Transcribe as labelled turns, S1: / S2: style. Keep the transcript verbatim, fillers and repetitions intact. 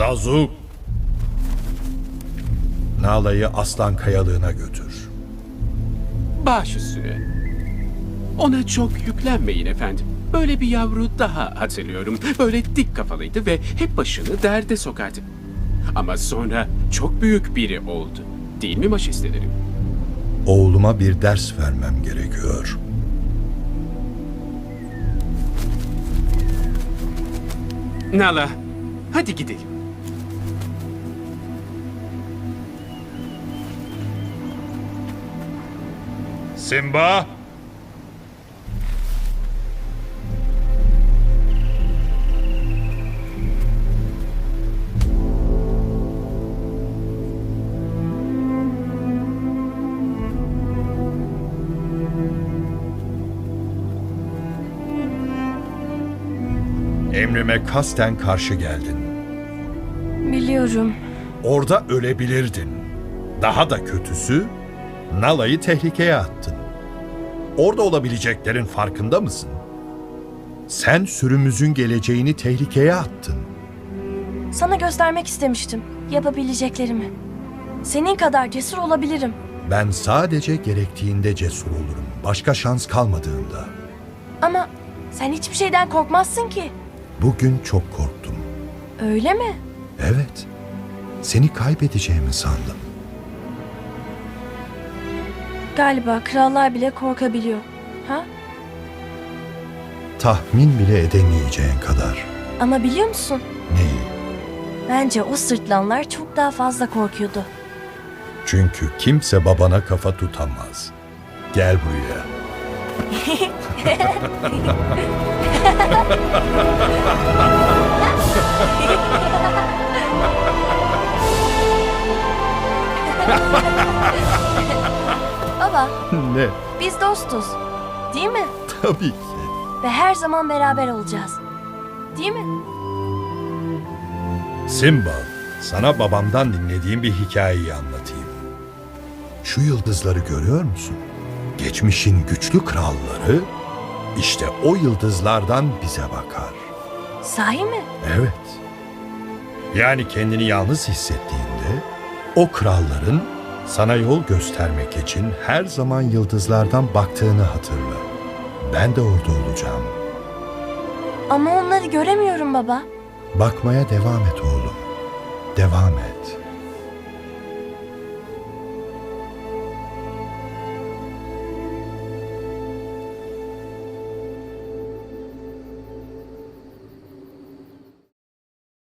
S1: Zazu! Nala'yı Aslan Kayalığı'na götür.
S2: Baş üstüne. Ona çok yüklenmeyin efendim. Böyle bir yavru daha hatırlıyorum. Böyle dik kafalıydı ve hep başını derde sokardı. Ama sonra çok büyük biri oldu. Değil mi majesteleri?
S1: Oğluma bir ders vermem gerekiyor.
S2: Nala, hadi gidelim.
S1: Simba! Emrime kasten karşı geldin.
S3: Biliyorum.
S1: Orada ölebilirdin. Daha da kötüsü, Nala'yı tehlikeye attın. Orada olabileceklerin farkında mısın? Sen sürümüzün geleceğini tehlikeye attın.
S3: Sana göstermek istemiştim yapabileceklerimi. Senin kadar cesur olabilirim.
S1: Ben sadece gerektiğinde cesur olurum. Başka şans kalmadığında.
S3: Ama sen hiçbir şeyden korkmazsın ki.
S1: Bugün çok korktum.
S3: Öyle mi?
S1: Evet. Seni kaybedeceğimi sandım.
S3: Galiba krallar bile korkabiliyor. Ha?
S1: Tahmin bile edemeyeceğin kadar.
S3: Ama biliyor musun?
S1: Neyi?
S3: Bence o sırtlanlar çok daha fazla korkuyordu.
S1: Çünkü kimse babana kafa tutamaz. Gel buraya.
S3: Baba,
S1: Ne?
S3: biz dostuz. Değil mi?
S1: Tabii ki.
S3: Ve her zaman beraber olacağız. Değil mi?
S1: Simba, sana babamdan dinlediğim bir hikayeyi anlatayım. Şu yıldızları görüyor musun? Geçmişin güçlü kralları işte o yıldızlardan bize bakar.
S3: Sahi mi?
S1: Evet. Yani kendini yalnız hissettiğinde o kralların sana yol göstermek için her zaman yıldızlardan baktığını hatırla. Ben de orada olacağım.
S3: Ama onları göremiyorum baba.
S1: Bakmaya devam et oğlum. Devam et.